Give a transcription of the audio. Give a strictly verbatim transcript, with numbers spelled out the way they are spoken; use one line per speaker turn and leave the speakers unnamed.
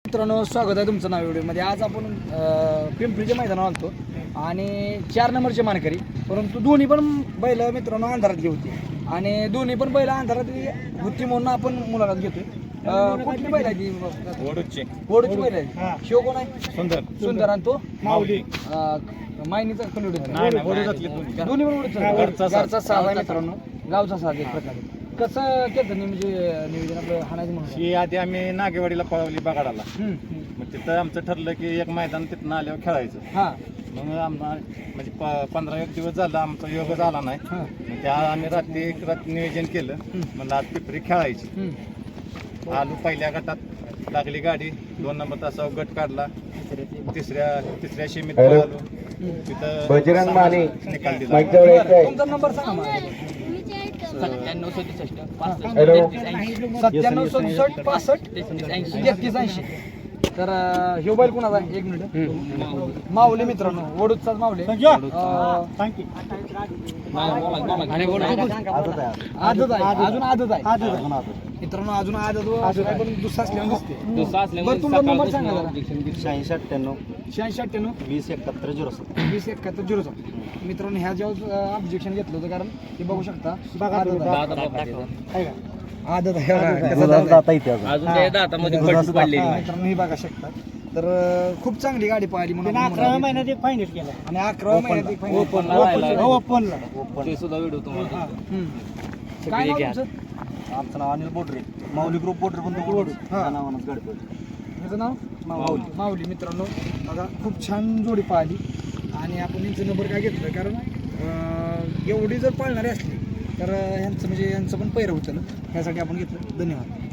मित्रांनो स्वागत आहे तुमचं नाव व्हिडिओमध्ये. आज आपण अं, पिंपरीच्या मैदानावर आलतो आणि चार नंबरचे मानकरी, परंतु दोन्ही पण बैल मित्रांनो अंधारातली होती आणि दोन्ही पण बैल अंधारातली होती म्हणून आपण मुलाखत घेतोय. अं, कुठली बैल आहे ती?
वडूची
वडूची बैल आहे. शिव कोण आहे?
सुंदर
सुंदर. आणि तो
माऊली
मायनीचा खंडोडी
नाही नाही वडूच्यातले दोन्ही.
दोन्ही पण वडूचा
घरचा साज.
घरचा साज आहे मित्रांनो, गावचा साज एक प्रकारे. कसं केलं म्हणजे नियोजन आपलं हाणायचं म्हणून?
ही आधी आम्ही नागेवाडीला पळवली बगाडाला.
हम्म, हम्म.
मग तिथं आमचं ठरलं की एक मैदान तिथनं आल्यावर खेळायचं.
हा
मग आम्हाला म्हणजे प- पंधरा एक दिवस झाला आमचा योग झाला नाही.
हा
मग त्या आम्ही रात्री एक रात्री नियोजन केलं. म्हणलं आज पिपरी खेळायची.
हम्म.
आलू पहिल्या गटात लागली गाडी, दोन नंबर तासावर गट काढला. तिसऱ्या तिसऱ्या शेमीत पळालो. तिथं
बजरंग माने
निकाल दिला.
माईक जवळ यायचंय.
तुमचा नंबर सांगा मला.
सत्त्याण्णव सदुसष्ट
हॅलो.
सत्त्याण्णव सदुसष्ट पासष्ट तेहतीस ऐंशी. तर अं, ह्यो बैल कुणाचा आहे? एक मिनिट. माऊली मित्रांनो, वडूदचाच माऊली. अं, आदत आहे, अजून आदत आहे मित्रांनो, अजून आदत व असं काय पण दुसरा असल्यावर दिसते. बरं तुमचा नंबर सांगा जरा.
शहाऐंशी अठ्ठ्याण्णव
शहाऐंशी अठ्ठ्याण्णव
वीस एकाहत्तर झिरो सात.
वीस एकाहत्तर झिरो सात. मित्रांनो ह्या जेव्हा ऑब्जेक्शन घेतलं होतं, कारण ते बघू शकता आदत आहे. आहे का? आदत आहे बघा, कसं दात आहे.
अजून त्या दातामध्ये फट पडलेली
हा, मित्रांनो हे बघा शकता. तर अं, खूप चांगली गाडी पाहिली म्हणून आपण
अकराव्या
म्हणालो.
महिन्यात एक फायनल केला
आणि अकराव्या महिन्यात एक final.
ओपन
ओपनला
ते सुद्धा व्हिडिओ तुम्हाला
हम्म. काय नाव तुमचं?
आमचं नाव अनिल बोडरे, माऊली ग्रुप बोडरे पण बोडू नावानं गडबड.
ह्याचं नाव माऊली. माऊली मित्रांनो बघा, खूप छान जोडी पाहिली आणि आपण यांचं नंबर काय घेतलं, कारण अं, एवढी जर पाळणारी असली तर अं, ह्यांचं म्हणजे यांचं पण पैर होतं ना, ह्यासाठी आपण घेतलं. धन्यवाद.